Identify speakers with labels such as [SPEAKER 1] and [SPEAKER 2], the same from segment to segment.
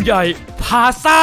[SPEAKER 1] ใหญ่พาซ่า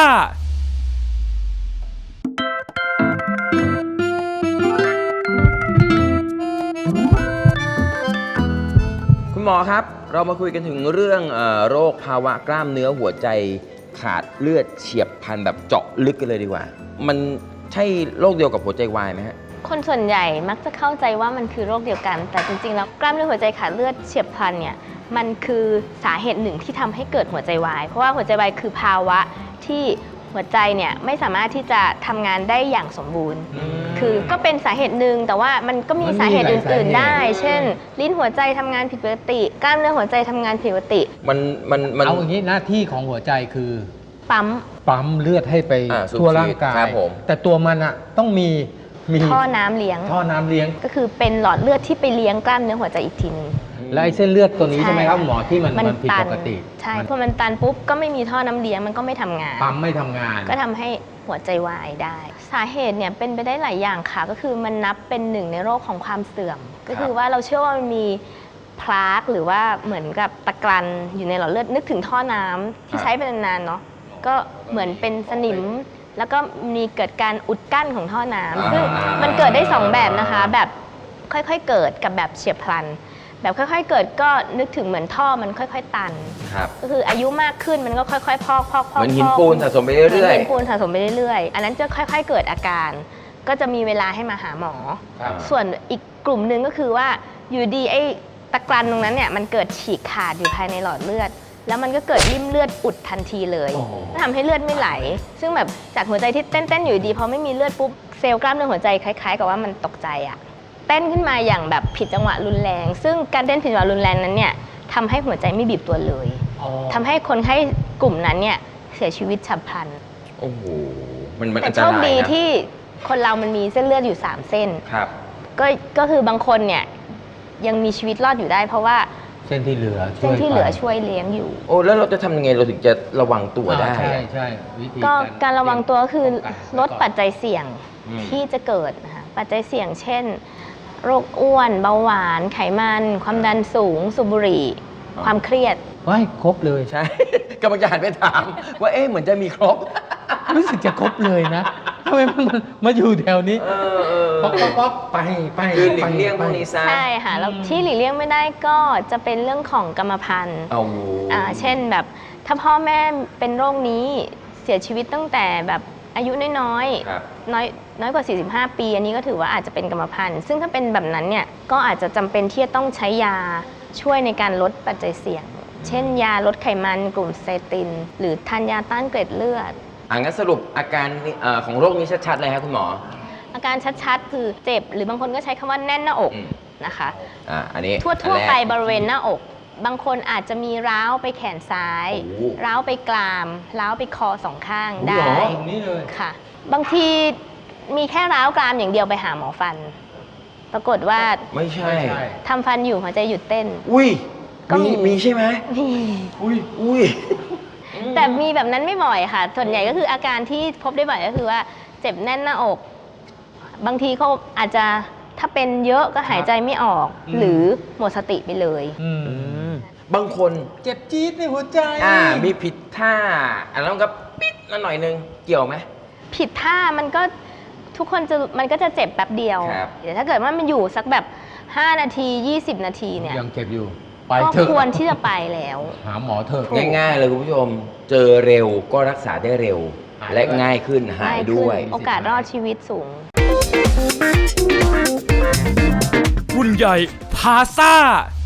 [SPEAKER 2] คุณหมอครับเรามาคุยกันถึงเรื่องโรคภาวะกล้ามเนื้อหัวใจขาดเลือดเฉียบพลันแบบเจาะลึกกันเลยดีกว่ามันใช่โรคเดียวกับหัวใจวายไหมฮะ
[SPEAKER 3] คนส่วนใหญ่มักจะเข้าใจว่ามันคือโรคเดียวกันแต่จริงๆแล้วกล้ามเนื้อหัวใจขาดเลือดเฉียบพลันเนี่ยมันคือสาเหตุหนึ่งที่ทำให้เกิดหัวใจวายเพราะว่าหัวใจวายคือภาวะที่หัวใจเนี่ยไม่สามารถที่จะทำงานได้อย่างสมบูรณ์คือก็เป็นสาเหตุหนึ่งแต่ว่ามันก็มีสาเหตุอื่นๆได้เช่นลิ้นหัวใจทำงานผิดปกติกล้ามเนื้อหัวใจทำงานผิดปกติ
[SPEAKER 4] มันเอาอย่างนี้หน้าที่ของหัวใจคือ
[SPEAKER 3] ปั๊ม
[SPEAKER 4] เลือดให้ไปทั่วร่างกายแต่ตัวมันอะต้องมี
[SPEAKER 3] ท่อน้ำเลี้ยงก็คือเป็นหลอดเลือดที่ไปเลี้ยงกล้ามเนื้อหัวใจอีกทีนึง
[SPEAKER 4] และไอ้เส้นเลือดตัวนี้ใช่ไหมครับหมอที่มันผิดปกติ
[SPEAKER 3] ใช่พอมันตันปุ๊บก็ไม่มีท่อน้ำเลี้ยงมันก็ไม่ทำงาน
[SPEAKER 4] ปั๊มไม่ทำงาน
[SPEAKER 3] ก็ทำให้หัวใจวายได้สาเหตุเนี่ยเป็นไปได้หลายอย่างค่ะก็คือมันนับเป็นหนึ่งในโรคของความเสื่อมก็คือว่าเราเชื่อว่ามันมีพลาร์กหรือว่าเหมือนกับตะกรันอยู่ในหลอดเลือดนึกถึงท่อน้ำที่ใช้เป็นนานๆเนาะก็เหมือนเป็นสนิมแล้วก็มีเกิดการอุดกั้นของท่อน้ำซึ่งมันเกิดได้2แบบนะคะแบบค่อยๆเกิดกับแบบเฉียบพลันแบบค่อยๆเกิดก็นึกถึงเหมือนท่อมันค่อยๆตันก็คืออายุมากขึ้นมันก็ค่อยๆพอก
[SPEAKER 2] เหมือนหินปูนสะสมไปเรื่อยๆเหมือน
[SPEAKER 3] หินปูนสะสมไปเรื่อยๆอันนั้นจะค่อยๆเกิดอาการก็จะมีเวลาให้มาหาหมอส่วนอีกกลุ่มหนึ่งก็คือว่าอยู่ดีไอ้ตะกรันตรงนั้นเนี่ยมันเกิดฉีกขาดอยู่ภายในหลอดเลือดแล้วมันก็เกิดริ่มเลือดอุดทันทีเลยทำให้เลือดไม่ไหลซึ่งแบบจากหัวใจที่เต้นๆอยู่ดีพอไม่มีเลือดปุ๊บเซลล์กล้ามเนื้อหัวใจคล้ายๆกับว่ามันตกใจอะเต้นขึ้นมาอย่างแบบผิดจังหวะรุนแรงซึ่งการเต้นผิดจังหวะรุนแรงนั้นเนี่ยทำให้หัวใจไม่บีบตัวเลยทำให้คนไข้กลุ่มนั้นเนี่ยเสียชีวิตฉับพลัน
[SPEAKER 2] โอ้โหมันอันตรายนะ
[SPEAKER 3] แต่โชคดีที่คนเรามันมีเส้นเลือดอยู่3เส้นก็คือบางคนเนี่ยยังมีชีวิตรอดอยู่ได้เพราะว่า
[SPEAKER 4] เส้นที่เหลือ
[SPEAKER 3] ช่วยเลี้ยงอยู่
[SPEAKER 2] โอ้แล้วเราจะทำยังไงเราถึงจะระวังตัวได้
[SPEAKER 4] ใช่วิธี
[SPEAKER 3] ก็การระวังตัวก็คือลดปัจจัยเสี่ยงที่จะเกิดนะคะปัจจัยเสี่ยงเช่นโรคอ้วนเบาหวานไขมันความดันสูงสูบบุหรี่ความเครียด
[SPEAKER 4] ว้ายครบเลย
[SPEAKER 2] ใช่กำลังจะหันไปถามว่าเอ๊ะเหมือนจะมีครบ
[SPEAKER 4] รู้สึกจะครบเลยนะทำไมมันมาอยู่แถวนี้ป๊อกไป
[SPEAKER 2] คือหลีกเลี่ยงพวกนี้ซะ
[SPEAKER 3] ใช่ค่ะแล้วที่หลีกเลี่ยงไม่ได้ก็จะเป็นเรื่องของกรรมพันธุ์เช่นแบบถ้าพ่อแม่เป็นโรคนี้เสียชีวิตตั้งแต่แบบอายุน้อยกว่า45ปีอันนี้ก็ถือว่าอาจจะเป็นกรรมพันธุ์ซึ่งถ้าเป็นแบบนั้นเนี่ยก็อาจจะจำเป็นที่จะต้องใช้ยาช่วยในการลดปัจจัยเสี่ยงเช่นยาลดไขมันกลุ่มเซตินหรือทานยาต้านเกล็ดเลือด
[SPEAKER 2] งั้นสรุปอาการของโรคนี้ชัดๆเลยครับคุณหมอ
[SPEAKER 3] อาการชัดๆคือเจ็บหรือบางคนก็ใช้คำว่าแน่นหน้าอกนะคะ
[SPEAKER 2] อันนี้
[SPEAKER 3] ทั่วไปบริเวณหน้าอกบางคนอาจจะมีร้าวไปแขนซ้ายร้าวไปกรามร้าวไปคอ2ข้างได้ค่ะบางทีมีแค่ร้าวกรามอย่างเดียวไปหาหมอฟันปรากฏว่า
[SPEAKER 2] ไม่ใช่
[SPEAKER 3] ทำฟันอยู่หัวใจหยุดเต้น
[SPEAKER 2] ก็มีใช่ไหม
[SPEAKER 3] มีแต่มีแบบนั้นไม่บ่อยค่ะส่วนใหญ่ก็คืออาการที่พบได้บ่อยก็คือว่าเจ็บแน่นหน้าอกบางทีเขาอาจจะถ้าเป็นเยอะก็หายใจไม่ออกหรือหมดสติไปเลย
[SPEAKER 2] บางคน
[SPEAKER 4] เจ็บจี๊ดในหัวใจ
[SPEAKER 2] มีผิดท่าอันนั้นก็ปิดนั่นหน่อยนึงเกี่ยวไหม
[SPEAKER 3] ผิดท่ามันก็ทุกคนมันก็จะเจ็บแป๊บเดียวแต่ถ้าเกิดว่ามันอยู่สักแบบ5นาที20นาทีเนี่ย
[SPEAKER 4] ยังเจ็บอยู่
[SPEAKER 3] ก็ควรที่จะไปแล้ว
[SPEAKER 4] หาหมอเถอะ
[SPEAKER 2] ง่ายๆเลยคุณผู้ชมเจอเร็วก็รักษาได้เร็วและง่ายขึ้นหายด้วย
[SPEAKER 3] โอกาสรอดชีวิตสูง
[SPEAKER 1] คุณใหญ่พาซ่า